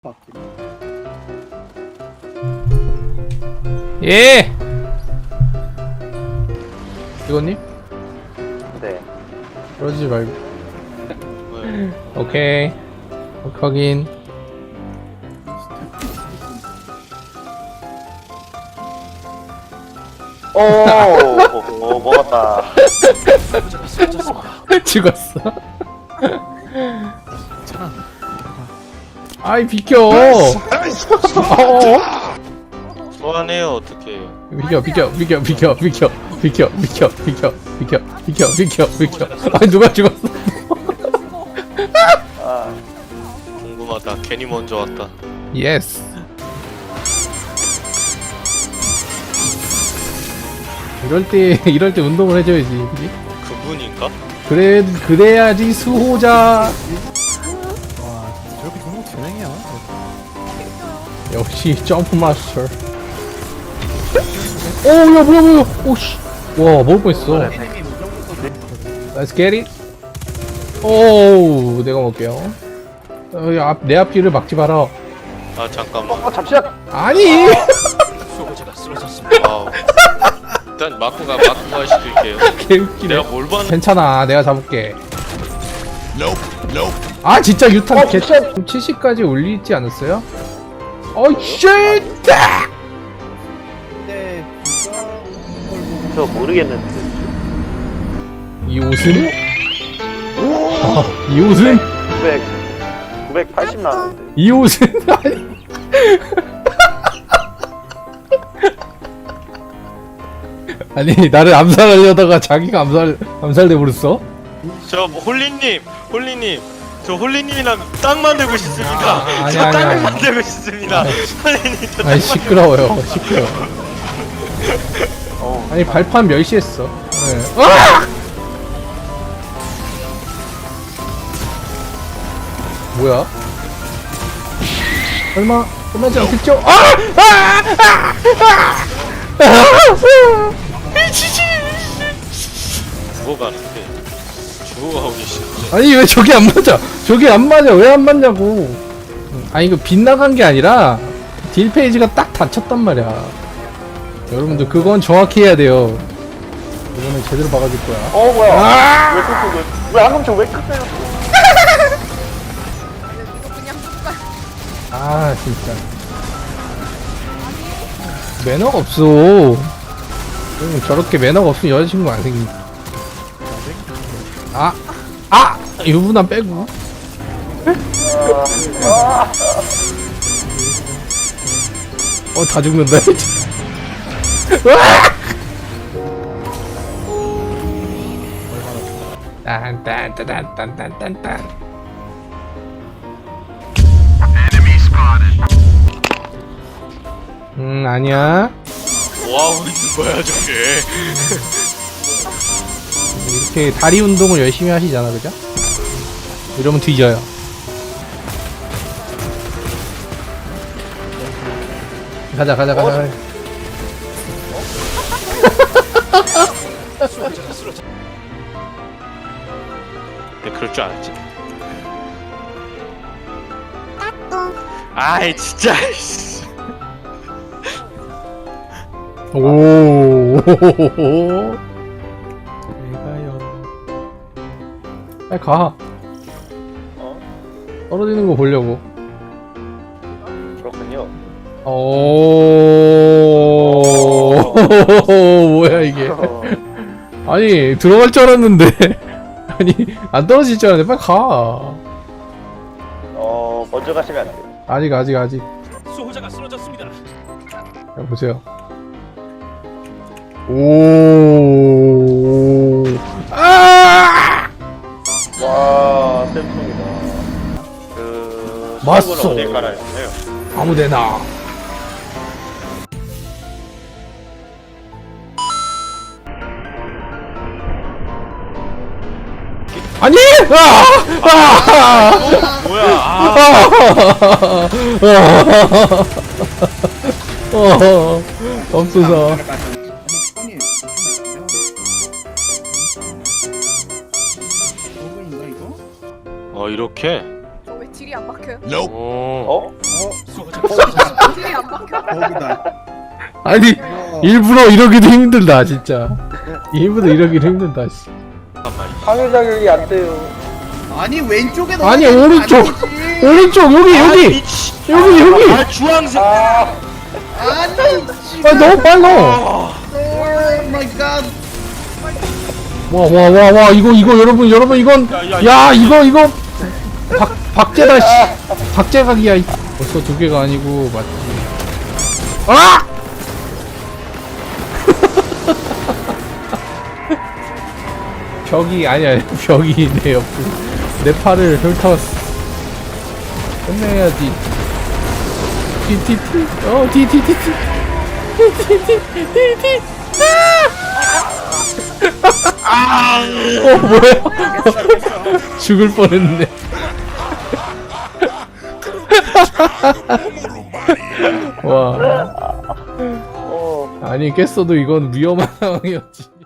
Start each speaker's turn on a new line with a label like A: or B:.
A: 예! 이거님?
B: 네.
A: 그러지 말고. 오케이. 확인.
B: 오, 먹었다.
A: 죽었어. 아이, 비켜!
C: 소환해요 어떻게?
A: 비켜. 아니, 누가 죽었어?
B: 아,
C: 궁금하다. 괜히 먼저 왔다.
A: 예스. 이럴 때 운동을 해줘야지, 그지?
C: 그분인가?
A: 그래야지 수호자.
D: 저렇게 좋은 거 재능이야.
A: 역시 점프 마스터. 오, 야, 뭐야. 오씨. 와, 먹을 뻔했어. Let's get it. 오, 내가 먹을게요. 내 앞뒤를 막지 마라.
C: 아 잠깐만.
B: 잠시만.
A: 아니.
C: 와우. 일단 마쿠가 시킬게요.
A: 개웃기네.
C: 내가 뭘 봤는데?
A: 괜찮아, 내가 잡을게. 아, 진짜 유탄 개. 70까지 올리지 않았어요? 쉣!
B: 저 모르겠는데.
A: 이 옷은? 이 옷은?
B: 980 나왔는데.
A: 이 옷은? 아니. 아니, 나를 암살하려다가 자기가 암살돼 버렸어?
C: 저 홀리님, 저 홀리님이랑 땅 만들고 싶습니다.
A: 아니,
C: 저
A: 아니,
C: 땅
A: 아니.
C: 만들고 싶습니다. 홀리님, 저
A: 아니, 시끄러워요. 아니, 발판 멸시했어. 네. 뭐야? 설마 끝나지 않겠죠?
C: 죽어가는데 죽어가고 계시는데.
A: 아니, 왜 저기 안 맞아? 저기 안 맞아. 왜 안 맞냐고. 아니, 이거 빗나간 게 아니라 딜 페이지가 딱 닫혔단 말이야. 여러분들 그건 정확히 해야 돼요. 이거는 제대로 박아줄 거야.
B: 뭐야? 왜 끄고 왜 한금총 왜 끄세요?
A: 아, 진짜 매너가 없어. 저렇게 매너가 없으면 여자친구 안 생기. 유부남 빼고. 다 죽는다. 딴딴딴딴딴딴딴. 아니야.
C: 뭐하고 있는 거야 저게?
A: 이렇게 다리 운동을 열심히 하시잖아, 그죠? 이러면 뒤져요. 가자.
C: 내가 그럴 줄 알았지. 아이 진짜.
A: 오. 내가요. 빨리 가. 떨어지는 거 보려고.
B: 그렇군요.
A: 오. 뭐야 이게? 아니, 들어갈 줄 알았는데. 아니, 안 떨어질 줄 알았는데 빨리 가.
B: 먼저 가시면 안 돼요.
A: 아직.
C: 수호자가 쓰러졌습니다.
A: 자, 보세요. 오.
B: 와, 쌤통이다.
A: 맞소.
B: 수업은 어딜 깔아요?
A: 아무데나. 아니!
C: 뭐야?
A: 없어서.
C: 이렇게?
E: 왜 딜이 안 박혀요?
C: 오.
B: 어?
D: 길이 안 막혀.
E: 거기다.
A: 아니 일부러 이러기도 힘들다 진짜. 일부러 이러기도 힘들다. 씨.
B: 상위 자격이 안 돼요.
E: 아니 왼쪽에
A: 아니
E: 넣어야
A: 오른쪽
E: 아니지.
A: 오른쪽 여기 여기 여기.
C: 아 주황색.
E: 아니
A: 아 너무 빨라.
E: 오 마이 갓.
A: 와 이거 여러분 이건 야 이거 박제다 씨. 박제각이야. 벌써 두 개가 아니고 맞지. 아! 벽이 아니야 벽이 내 옆에 내 팔을 훑었어. 끝내야지. 티티티 티티티티 티티티티 뭐야? 죽을 뻔했네. 와. 아니 깼어도 이건 위험한 상황이었지.